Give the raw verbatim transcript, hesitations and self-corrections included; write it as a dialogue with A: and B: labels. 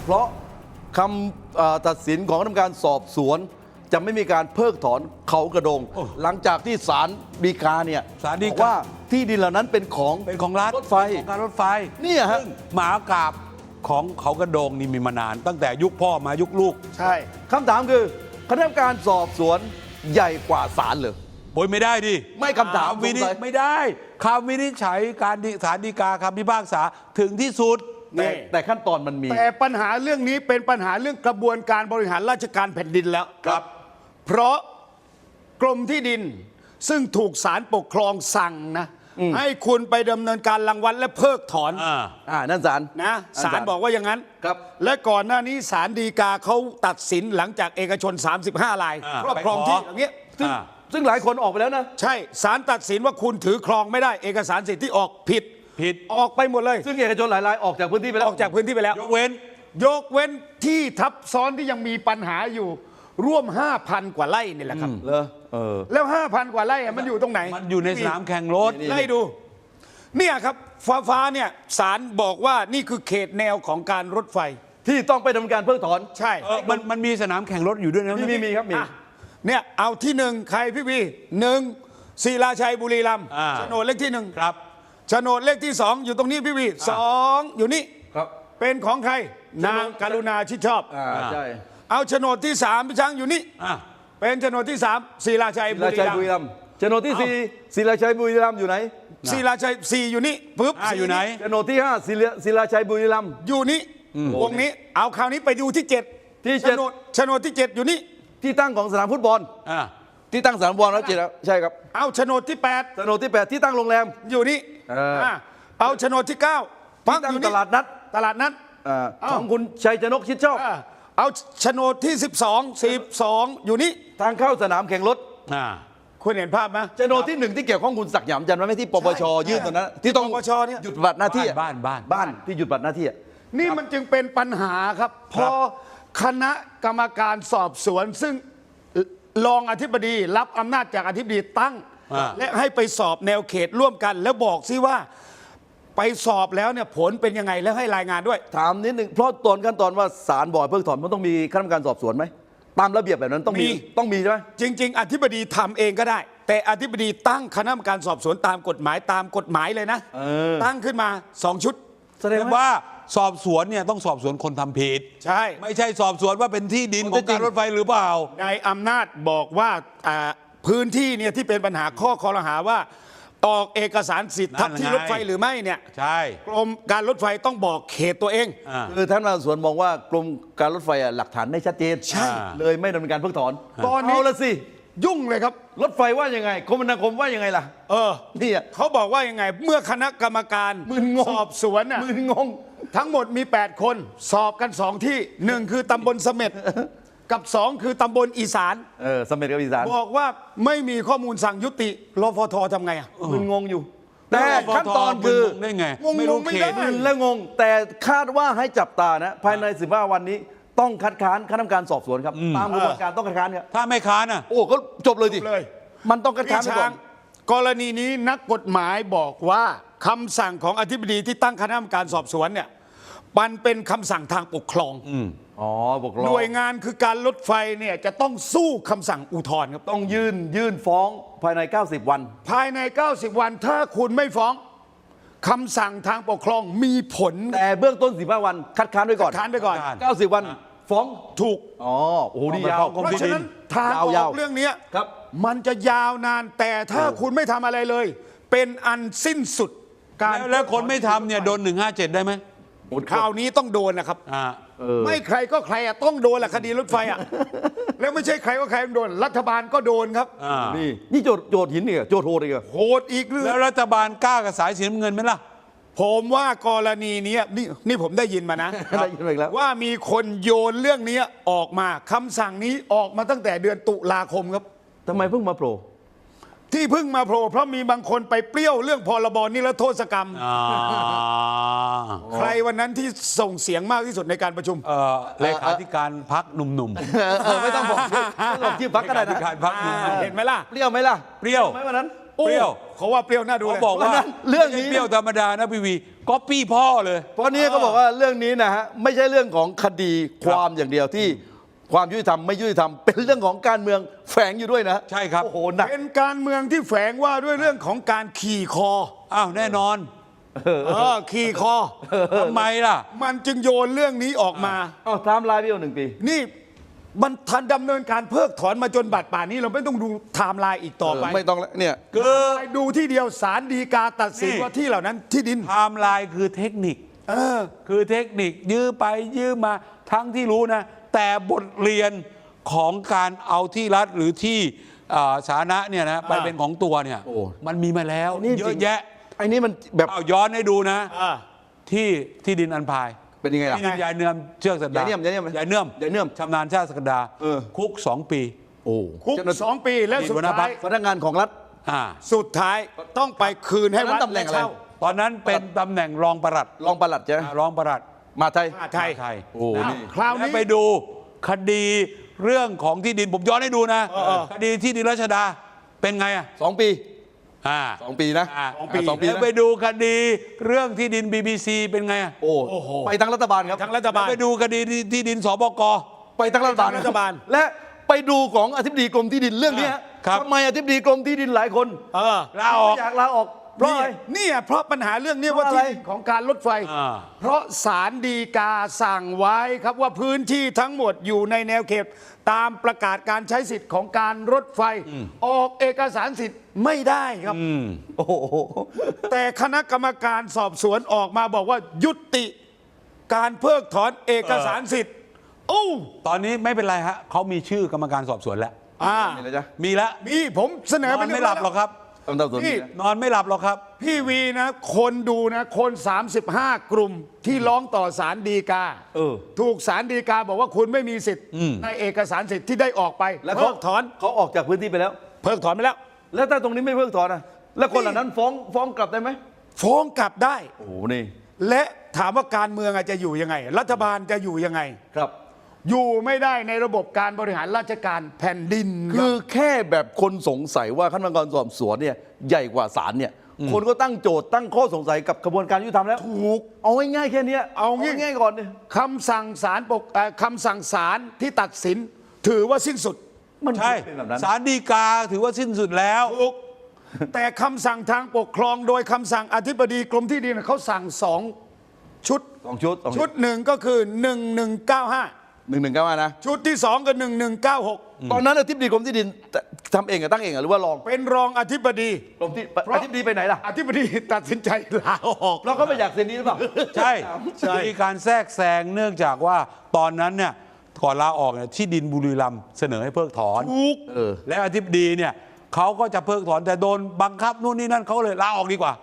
A: เพราะคำตัดสินของคณะกรรมการสอบสวนจะไม่มีการเพิกถอนเขากระโดงหลังจากที่ศาลฎีกาเนี่ย
B: ศาลฎีกา
A: บอกว่าที่ดินเหล่านั้นเป็นของ
B: เป็นของรัฐ
A: รถไฟ
B: ของการรถไฟ
A: เนี่ยฮะ
B: ซึ่งหมากราบของเขากระโดงนี่มีมานาน ตั้งแต่ยุคพ่อมายุคลูก
C: ใช่
A: คำถามคือคณะกรรมการสอบสวนใหญ่กว่าศาลเหรอ
B: โอยไม่ได้ดิ
A: ไม่คำถาม
B: วินิ
A: สงสัย
B: ไม่ได้คำวินิจฉัยการฎีศาลฎีกาคำพิพากษาถึงที่สุด
A: แต่แต่ขั้นตอนมันมี
C: แต่ปัญหาเรื่องนี้เป็นปัญหาเรื่องกระบวนการบริหารราชการแผ่นดินแล้ว
B: ครับ
C: เพราะกรมที่ดินซึ่งถูกศาลปกครองสั่งนะให้คุณไปดำเนินการรังวัดและเพิกถอน
B: อ่า
A: อ่านั่นศาล
C: นะศาลบอกว่าอย่างนั้น
A: ครับ
C: และก่อนหน้านี้ศาลฎีกาเขาตัดสินหลังจากเอกชน สามสิบห้าราย
B: อ่า
C: ครอบครอง
B: ไปขอ
C: ที่อย่างเงี้ย
A: ซึ่ง
B: อ่า
A: ซึ่งหลายคนออกไปแล้วนะ
C: ใช่ศาลตัดสินว่าคุณถือครองไม่ได้เอกสารสิทธิ์ที่ออกผิด
B: ผิด
C: ออกไปหมดเลย
A: ซึ่งเอกชนหลายรายออกจากพื้นที่ไปแล้ว
C: ออกจากพื้นที่ไปแล้ว
B: ยกเว้น
C: ยกเว้นที่ทับซ้อนที่ยังมีปัญหาอยู่ร่วม ห้าพัน กว่าไร่นี่แหละครับ
A: เหรอเออ
C: แล้ว ห้าพัน กว่าไร่อะมันอยู่ตรงไหน
B: มันอยู่ในสนามแข่งรถ
A: นี่
C: ไล่ดู เนี่ยครับฟ้าฟ้าเนี่ยศาลบอกว่านี่คือเขตแนวของการรถไฟ
A: ที่ต้องไปดำเนินการเพิกถอน
C: ใช่
B: เออมันมันมีสนามแข่งรถอยู่ด้วยนะ
A: มีมีมีครับมี
C: อ่ะเนี่ยเอาที่หนึ่งใครพี่วีหนึ่งศิลาชัยบุรีรัมย์
B: อ่า
C: โฉนดเลขที่หนึ่ง
B: ครับ
C: โฉนดเลขที่สองอยู่ตรงนี้พี่วีสองอยู่นี่
A: ครับ
C: เป็นของใคร นางกรุณาชิดชอบ
A: อ่าใช่
C: เอาโฉนดที่สามพี่ช้างอยู่นี่
B: อ่ะ
C: เป็นโฉนดที่สามศิลาชัย
A: ศิ
C: บุ
A: ลา
C: รี
A: ชัย
C: รัม
A: บุรี
C: ย์
A: รัมย์โฉนดที่สี่ศิลาชัยบุรีรัมย์อยู่ไหน
C: ศิลาชัยสี่อยู่นี่ปุ๊บ
B: อ่ะอยู่ไหน
A: โฉนดที่ห้าศิลาศิลาชัยบุรีรัมย์
C: อยู่นี่วงนี้ เอาคราวนี้ไปดูที่เจ็ด
A: ที่
C: โฉ
A: เจ็ด
C: นดโฉนดที่เจ็ดอยู่นี่
A: ที่ตั้งของสนามฟุตบอล
B: อ่ะ
A: ที่ตั้งสนามฟุตบอลแล้วเจ็ดแล้วใช่ครับ
C: เอาโฉนดที่แปด
A: โฉนดที่แปดที่ตั้งโรงแรม
C: อยู่นี่
A: เอออ่
C: ะเอาโฉนดที่เก้า
A: ที่ตั้งตลาดนัด
C: ตลาดนัด
A: อ่า
C: เอ้า
A: ของคุณชัยชนกชิดชอบ
C: อ่ะเอาโฉนดที่สิบสอง สิบสองอยู่นี่
A: ทางเข้าสนามแข่งรถ
B: อ่ะ
C: คุณเห็นภาพไหม
A: โฉนดที่หนึ่งที่เกี่ยวข้องคุณศักดิ์หยามจันทร์ไว้ไหมที่ปปชยื่นตอนนั้นที่ต้อง
C: ปปชเนี่ย
A: หยุดปฏิบัติหน้าที่อะ
B: บ้านบ้าน
A: บ้านที่หยุดปฏิบัติหน้าที่อะ
C: นี่มันจึงเป็นปัญหาครับพอคณะกรรมการสอบสวน ซึ่งรองอธิบดีรับอำนาจจากอธิบดีตั้ง
B: อ่า
C: และให้ไปสอบแนวเขตร่วมกัน แล้วบอกซิว่าไปสอบแล้วเนี่ยผลเป็นยังไงแล้วให้รายงานด้วย
A: ถามนิดหนึ่งเพราะตอนขั้นตอนว่าศาลบอกให้เพิกถอนมันต้องมีคณะกรรมการสอบสวนไหมตามระเบียบแบบนั้นต้องมี
C: มี
A: ต้องมีใช่ไหม
C: จริง ๆ อธิบดีทำเองก็ได้ แต่อธิบดีตั้งคณะกรรมการสอบสวนตามกฎหมายตามกฎหมายเลยนะ
A: เออ
C: ตั้งขึ้นมาสองชุด
A: แสดง
B: แต่
A: ว่า
B: ว่าสอบสวนเนี่ยต้องสอบสวนคนทำผิด
C: ใช่
B: ไม่ใช่สอบสวนว่าเป็นที่ดิน
A: ข้
B: ข
A: อ
B: อง
A: เท็จจริ
B: กาง รรถไฟหรือเปล่า
C: นายอำนาจบอกว่าอ่าพื้นที่เนี่ยที่เป็นปัญหาข้อคอรหาว่าออกเอกสารสิทธิ์ทับที่
B: นั่นไง
C: รถไฟหรือไม่เนี่ย
B: ใช่
C: กรมการรถไฟต้องบอกเขตตัวเอง
B: อ่า
A: คือท่านมาสวนมองว่ากรมการรถไฟอะหลักฐานได้ชัดเจน
C: ใช่
A: เลยไม่ดำเนินการเพิกถอน
C: ตอนนี้
A: เอาละสิ
C: ยุ่งเลยครับ
A: รถไฟว่ายังไงคมนาคมว่ายังไงล่ะ
C: เออ
A: นี่อะ
C: เขาบอกว่ายังไง เมื่อคณะกรรมการ
A: มึนงง
C: สอบสวนน่ะ
A: มืองง
C: ทั้งหมดมี แปด คน สอบกันสองที่หนึ่งคือตำบลเสม็ดกับสองคือตำบลอีสาน
A: เออสมเด็จกับอีสาน
C: บอกว่าไม่มีข้อมูลสั่งยุติรฟททำไงอ่ะ
A: มึนงงอยู่ แต่ขั้นตอนคือ
B: มึงได้ไง
C: งงๆ
B: ไม่รู้
C: ไม่
B: เข
C: ได้
B: ต
A: มึนและงง แต่คาดว่าให้จับตานะ ภายในสิบห้าวันนี้ต้องคัดค้านคณะกรรมการสอบสวนครับ ตามกระบวนการต้องคัดค้านครับ
B: ถ้าไม่ค้านอ่ะ
A: โอ้ก็จบเลยดิ
C: จบเลย
A: มันต้องคัดค้านไป
C: พี่
A: ก่
C: ช้า
A: อง น
C: กรณีนี้นักกฎหมายบอกว่าคำสั่งของอธิบดีที่ตั้งคณะกรรมการสอบสวนเนี่ยมันเป็นคำสั่งทางปกครอง
A: อ๋อบอกร
C: หน่วยงานคือการรถไฟเนี่ยจะต้องสู้คำสั่งอุทธรณ์ครับ
A: ต้องยื่นยื่นฟ้องภายใน เก้าสิบ วัน
C: ภายใน เก้าสิบ วันถ้าคุณไม่ฟ้องคำสั่งทางปกครองมีผล
A: แต่เบื้องต้นสิบห้าวัน คัดค้านไว้ก่อน
C: ค้านไปก่อน
B: คัดค้าน
A: เก้าสิบ วันฟ้อง
C: ถูก
A: อ๋อโอ้โหนี่
B: เอาไป
A: ยาว
B: ฟ้องกรม
C: เพราะฉะนั้นทางออย
A: าว
C: ก
A: ๆ
C: เรื่องเนี้ย
A: ครับ
C: มันจะยาวนานแต่ถ้าคุณไม่ทำอะไรเลย เป็นอันสิ้นสุดการ
B: แล้วแล้วคนไม่ทำเนี่ยโดนหนึ่งห้าเจ็ดได้ไหม
C: คราวนี้ต้องโดนนะครับ
B: อ่า
A: เออ
C: ไม่ใครก็ใครอะต้องโดนแหละคดีรถไฟอะ แล้วไม่ใช่ใครก็ใครต้องโดน รัฐบาลก็โดนครับ
B: อ่า
A: นี่นี่โจทย์โจทย์หินนี่เหรอโจทย์โหดอีกเหรอ
C: โหดอีกเรื่อ
B: แล้ว
C: ง
B: รัฐบาลกล้ากับสายสีน้ำเงินไหมล่ะ
C: ผมว่ากรณีเนี้ยนี่นี่ผมได้ยินมานะ
A: ได้ยินมาอีกแล้ว
C: ว่ามีคนโยนเรื่องนี้ออกมาคำสั่งนี้ออกมาตั้งแต่เดือนตุลาคมครับ
A: ทำไมเพิ่งมาโผล่
C: ที่เพิ่งมาโผล่เพราะมีบางคนไปเปรี้ยวเรื่องพรบนิรโทษกรรม
B: อ่า
C: ใครวันนั้นที่ส่งเสียงมากที่สุดในการประชุม
B: เอ่อเลขาธิการพักหนุ่ม
A: เออเออไม่ต้องบอกชื่อไม่ต้องบอกชื่อ
B: ๆ
A: พักก็ได้
B: เล
A: นะ
B: ขาธิการพักหนุ่ม
C: เห็นไหมล่ะ
A: เปรี้ยวไหมล่ะ
B: ๆเปรี้ยว
A: ไหมวันนั้น
C: โอ้
B: เปรี้ยว
C: เขาว่าเปรี้ยวน่าดู
B: เขา
C: เลย
B: บอกว่า
A: เรื่องนี้
B: ไม่ใช่เปรี้ยวธรรมดานะพี่วีก๊อปปี้พ่อเลย
A: เพราะนี้ก็บอกว่าเรื่องนี้นะฮะไม่ใช่เรื่องของคดีความอย่างเดียวที่ความยุติธรรมไม่ยุติธรรมเป็นเรื่องของการเมืองแฝงอยู่ด้วยนะ
B: ใช่ครับ
A: โอ้โหหนัก
C: เป็นการเมืองที่แฝงว่าด้วยเรื่องของการขี่คอ
B: อ้าวแน่นอน
C: เออขี่คอ
B: ทำไมล่ะ
C: มันจึงโยนเรื่องนี้ออกมา
A: เอาไทม์ไลน์พี่โอหนึ่งปี
C: นี่มันทันดำเนินการเพิกถอนมาจนบัดป่านนี้เราไม่ต้องดูไทม์ไลน์อีกต่อไป
A: เออไม่ต้องแล้วเนี่ย
B: คือ
C: ไปดูที่เดียวศาลฎีกาตัดสิน
B: นี่
C: ว่าที่เหล่านั้นที่ดิน
B: ไทม์ไลน์คือเทคนิค
C: เออ
B: คือเทคนิคยื้อไปยื้อมาทั้งที่รู้นะ แต่บทเรียนของการเอาที่รัฐหรือที่อ่าสาธารณะเนี่ยนะไป
C: อ่า
B: เป็นของตัวเนี่ย
A: โอ้
B: มันมีมาแล้ว
A: นี่
B: เย
A: จริ
B: อะ
A: ง
B: แยะ
A: ไอ้นี่มันแบบ
B: เอาย้อนให้ดูนะ
C: อ่า
B: ที่ที่ดินอันพาย
A: เป็นยังไงล่ะ
B: ที่ดินยายเนื่อมเชือกสักดาย
A: ายเนื่อมยายเนื่อม
B: ยายเนื่อม
A: ยายเนื่อม
B: ชำนาญชาติสักดา
A: เออ
B: คุกสองปี
A: โอ้
C: คุก
A: เจ้าหน้า
C: สองปีแล้วสุดท้าย
A: พนักงานของรัฐ
B: อ่า
C: สุดท้ายต้องไปคืนให้วัด
A: ตำแหน่งอะไร
C: เช่า
B: ตอนนั้นเป็นตำแหน่งรองปลัด
A: รองปลัดใช่ไหม
B: อ่ารองปลัด
A: มาไทย
C: มหาไทย
B: ไทย
A: โอ้นี่
C: คราว
B: แล้ว
C: นี้
B: ไปดูคดีเรื่องของที่ดินผมย้อนให้ดูนะ
C: เออเออ
B: คดีที่ดินรัชดาเป็นไงอ่ะ
A: สองปี
B: อ่า
A: สองปีนะ
B: อ่า
C: สองปี
A: สองปี
B: แล้ว
A: นะ
B: ไปดูคดีเรื่องที่ดิน บี บี ซี เป็นไงอ่ะ
A: โอ้
C: โอ้โห
A: ไปทั้งรัฐบาลครับ
C: ทั้งรัฐบาล
B: ไปดูคดีที่ที่ดินสบก
A: ไปทั้งรัฐบาล
C: ไปทั้งรัฐบาล
A: และไปดูของอธิบดีกรมที่ดินเรื่องนี้ฮะ
B: ครับ
A: ทำไมอธิบดีกรมที่ดินหลายคน
C: เออ
B: ลาออก
A: ไม่อยากลาออกเพราะ
C: นี่
A: อะไร
C: นี่อ่ะเพราะปัญหาเรื่องนี้
A: เพ
C: ว่า
A: ราะอะไร
C: ที่ดินของการรถไฟ
B: อ่า
C: เพราะศาลฎีกาสั่งไว้ครับว่าพื้นที่ทั้งหมดอยู่ในแนวเขต ตามประกาศการใช้สิทธิ์ของการรถไฟ ออกเอกสารสิทธิ์ไม่ได้ครับ
A: โอ้โห
C: แต่คณะกรรมการสอบสวนออกมาบอกว่ายุติการเพิกถอนเอกสารสิทธิ์โอ้
B: ตอนนี้ไม่เป็นไรฮะเขามีชื่อกรรมการสอบสวนแล้ว
C: อ่า
A: นี่นะจ๊ะ
B: มีแล้ว
C: มีผมเสน
B: น
C: อ
B: อ
C: ไป
B: น
C: เย
B: ไม่
C: บ
B: ห
C: ร้
B: ลั
C: อบ ย
B: หรอกครับ
A: ตำรวจสวน
C: นี่
A: นี่นะ
B: นอนไม่หลับหรอกครับ
C: พี่วีนะ คนดูนะคน สามสิบห้า กลุ่มที่ร้องต่อศาลฎีกา
A: เออ
C: ถูกศาลฎีกาบอกว่าคุณไม่มีสิทธิ์ในเอกสารสิทธิ์ที่ได้ออกไป
A: แล้ว
C: เพิ
A: เขา
C: กถอน
A: เขาออกจากพื้นที่ไปแล้ว
C: เพิกถอนไปแล้ว
A: แล้วถ้าตรงนี้ไม่เพิกถอนนะแล้วคนเหล่านั้นฟ้องฟ้องกลับได้ไหม
C: ฟ้องกลับได้
A: โอ้โหนี่
C: และถามว่าการเมืองอาจจะอยู่ยังไง รัฐบาลจะอยู่ยังไง
A: ครับ
C: อยู่ไม่ได้ในระบบการบริหารราชการแผ่นดิน
A: คือแค่แบบคนสงสัยว่าขั้นตอนการสอบสวนเนี่ยใหญ่กว่าศาลเนี่ย คนก็ตั้งโจทย์ตั้งข้อสงสัยกับกระบวนการยุติธรรมแล้ว
C: ถูก
A: เอาง่ายๆแค่เนี้ย
C: เอาง่าย
A: ง่ายๆก่อนเนี่ย
C: คำสั่งศาลปกเอ่อคำสั่งศาลที่ตัดสิน ถือว่าสิ้นสุด
A: มัน
B: ใช่
A: เป็นแบบนั้น
B: ศาลฎีกาถือว่าสิ้นสุดแล้ว
C: ถูกแต่คำสั่งทางปกครองโดยคำสั่งอธิบดีกรมที่ดินเขาสั่งสองชุด
A: สองชุดสอง
C: ชุดหนึ่งก็คือหนึ่งหนึ่งเก้าห้า
A: หนึ่งหนึ่งเก้านะ
C: ชุดที่สองก็หนึ่งหนึ่งเก้าหก
A: ตอนนั้นอธิบดีกรมที่ดินทำเองอะตั้งเองอะหรือว่าลอง
C: เป็นรองอธิบดี
A: กรมที่
C: เพราะ
A: อธิบดีไปไหนล่ะ
C: อธิบดีตัดสินใจลาออก
A: เพราะเขาไม่อยากเซ็นนี้หรือเปล่า
B: ใช่
C: ใช่
B: มีการแทรกแซงเนื่องจากว่าตอนนั้นเนี่ยก่อนลาออกเนี่ยที่ดินบุรีรัมย์เสนอให้เพิกถอน
C: ถูก
A: เออ
B: และอธิบดีเนี่ยเขาก็จะเพิกถอนแต่โดนบังคับนู่นนี่นั่นเขาเลยลาออกดีกว่า